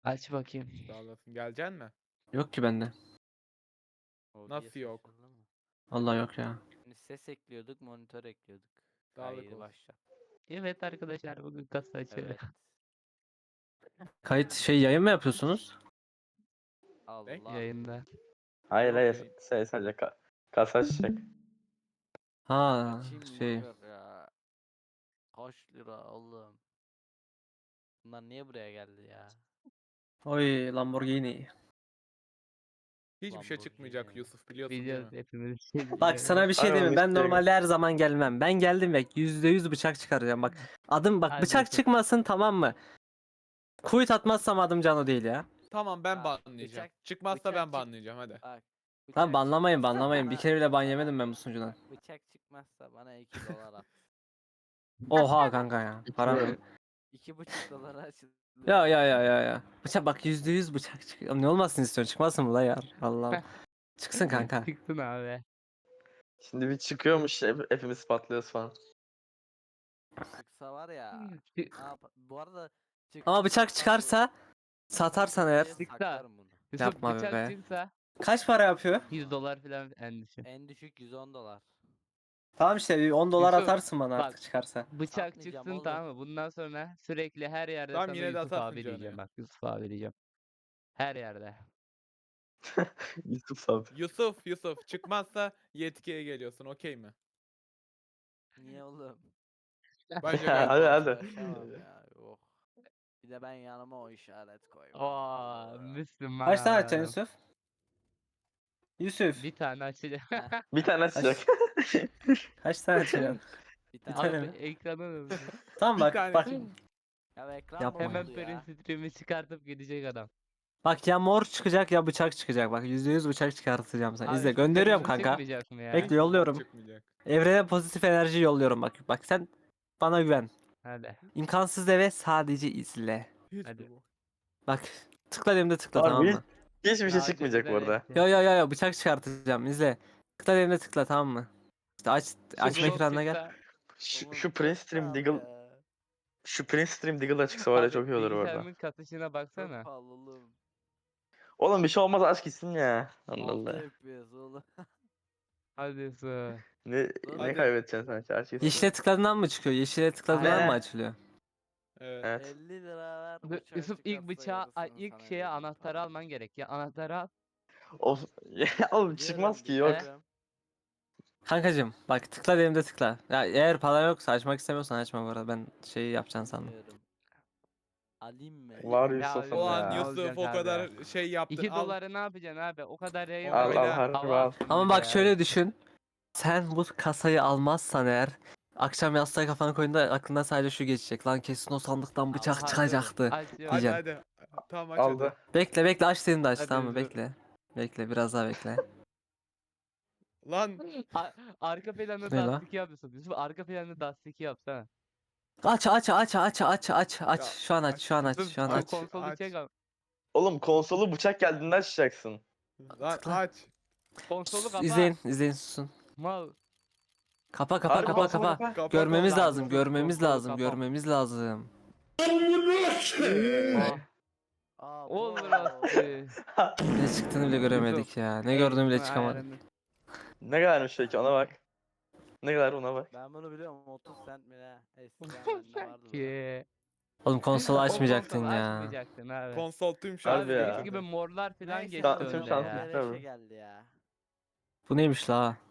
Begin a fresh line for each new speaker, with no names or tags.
Aç bakayım.
Sağ olasın. Geleceksin mi?
Yok ki bende.
OBS
Nasıl yok?
açıldı mı?
Vallahi yok ya.
Şimdi ses ekliyorduk, monitör ekliyorduk.
Sağlık
Hayır
olsun.
başla.
Evet arkadaşlar bugün kasa açıyor.
Evet.
Kayıt yayın mı yapıyorsunuz?
Allah.
Yayında.
Hayır
Yok
hayır
yayın.
sadece kasa açacak.
Ha
Açayım motor ya. Kaç lira oğlum? Bunlar niye buraya geldi ya?
Oy Lamborghini.
Hiçbir şey çıkmayacak
Lamborghini.
Yusuf biliyorsun değil
Biliyoruz
mi?
hepimiz bir şey
Bak
biliyoruz.
sana bir şey
Harbi
diyeyim mi? Ben
müşteri
normalde her zaman gelmem. Ben geldim ve %100 bıçak çıkaracağım bak. Adım bak
Hadi
bıçak
Yusuf.
çıkmasın tamam mı? Kuyut atmazsam adım Cano değil ya.
Tamam ben
Bak,
banlayacağım.
bıçak-
Çıkmazsa
bıçak
ben
çık-
banlayacağım hadi.
Bak.
Lan
bıçak
banlamayın
çıkmazsa
banlamayın. Bir
bana-
kere bile ban
bana-
yemedim ben bu sunucudan.
Bak, bıçak çıkmazsa bana 2 dolar at.
Oha kanka ya. Param yok.
2,5 dolara açıldı.
Ya. Bıçak bak %100 bıçak çıkıyor. Ne olmasın istiyorsun? Çıkmasın mı la ya? Allah. Çıksın kanka.
Çıksın abi.
Şimdi bir çıkıyormuş hepimiz patlıyoruz falan.
Çıksa var ya. Bu arada
Ama bıçak
çıktıysa
çıkarsa satarsan eğer.
buraya
Çıksa.
saklarım bunu.
Yusuf
Yapma
bıçak
be.
çıksa
Kaç para yapıyor?
100 dolar falan en düşük.
En düşük 110 dolar.
Tamam işte bir 10 dolar
Yusuf,
atarsın bana
bak.
artık çıkarsa.
Bıçak
Satmayacağım
çıksın
oğlum.
tamam mı? Bundan sonra sürekli her yerde
Tamam,
sana
yine de
Yusuf
atarsın
abi
canı
diyeceğim
ya.
bak. Yusuf abi diyeceğim. Her yerde.
Yusuf abi.
Yusuf çıkmazsa yetkiye geliyorsun okey mi?
Niye oğlum?
Bence
Hadi
gel.
hadi.
Uğraşamam ya. Yok. Bir de ben yanıma o işaret koymam.
Aa, Müslüman
Kaç tane
abi
atacaksın
adam.
Yusuf? Yusuf.
Bir tane açacağım.
Bir tane açacak.
Kaç tane atacaksın?
Bir
Bir
tane.
tane
Abi
mi?
ekranı
Tamam
Bir
bak
tane.
bak.
Ya ekran
Yapma.
bozuldu
hemen
ya.
print stream'i çıkartıp gidecek adam.
Bak ya mor çıkacak ya bıçak çıkacak. Bak %100 bıçak çıkartacağım sana.
Abi
İzle
hiç
gönderiyorum
kırmızı
kanka.
çıkmayacak mı ya?
Bekle yolluyorum.
Çıkmayacak.
Evrene pozitif enerji yolluyorum bak. Bak sen bana güven.
Hadi.
İmkansız deve sadece izle.
Hiç
Hadi.
mi bu?
Bak tıkla elimde tıkla
Harbi
tamam mı?
hiçbir şey
Daha
çıkmayacak bu
önceden
arada.
etti.
Yo bıçak çıkartacağım izle. Tıkla elimde tıkla tamam mı? İşte açma
Yusuf
ekranına gel.
çıksa-
Şu,
Oğlum
şu
çok
Prince Stream
pahalı
Deagle
ya.
şu Prince Stream Deagle'a çıksa var ya
Abi
çok iyi olur bu arada.
bilgisayarımın katışına
Çok
baksana.
pahalı oğlum.
Oğlum bir şey olmaz aç gitsin ya. Allah
6
Allah.
FPS oğlum.
Hadi Yusuf.
Ne
Hadi.
kaybedeceksin sen aç gitsin.
Yeşile tıkladığından mı çıkıyor? Yeşile tıkladığından
Aynen.
mı açılıyor?
Evet.
Evet.
50 lira ver
Dur,
bıçağı
Yusuf ilk
çıkarsa
bıçağı
yarısını
ilk
sana
şeye
veririm,
anahtarı
tamam.
alman gerek ya. Anahtarı al.
Of. Oğlum çıkmaz ki yok.
Getiriyorum.
Kankacım bak tıkla elimde tıkla. Ya eğer para yoksa açmak istemiyorsan açma bu arada. Ben şeyi yapacaksın sandım.
Getiriyorum. Alayım mı?
Var
Ya
Yusuf'um
Ulan
ya.
Yusuf
olacak
o
abi?
kadar şey yaptın.
2
Al.
doları ne yapacaksın abi? O kadar yayın
Al,
var.
al,
harbi
Hava
al.
attın
Ama
bir
bak
de
şöyle
abi.
düşün. Sen bu kasayı almazsan eğer akşam yastığa kafanı koyduğunda aklında sadece şu geçecek. Lan kesin o sandıktan bıçak
Aha,
çıkacaktı.
Açıyorum.
Hadi
Diyeceksin.
hadi. Tamam aç
Aldı.
hadi.
Bekle aç dediğimde aç
Hadi
tamam mı?
Yusuf.
Bekle biraz daha bekle.
Lan
Arka planda
Ne la?
Dust 2 yapıyorsun. Yusuf arka planda Dust 2 yapsana.
Aç.
Ya,
Şu an aç şu an aç
Yusuf
şu an
şu
aç.
konsolu
aç.
çek al.
Oğlum konsolu bıçak geldiğinde açacaksın.
lan
Tıkla.
aç.
Konsolu kapa.
İzleyin susun.
Mal.
Kapa
Harbi konsolu
Kapa
Görmemiz
konsolu.
lazım
Konsolu kapa.
görmemiz lazım.
Ah.
Aa,
Olur
bu.
astı.
Ne çıktığını bile göremedik ya. Ne gördüğümü bile çıkamadık.
Ne kadarmış peki ona bak. Ne kadar ona bak.
Ben bunu biliyorum 30 cent mi ne? Eskiden bende vardı. bu.
Ki.
Oğlum konsolu açmayacaktın
Konsolu
ya.
Açmayacaktın abi.
Konsol tüm
Harbi
şarjı
ya.
Eski
götürdü.
gibi morlar falan
Neyse,
geçti
tüm
önde
şanslı
ya.
işte.
Beleşe geldi ya.
Bu neymiş la?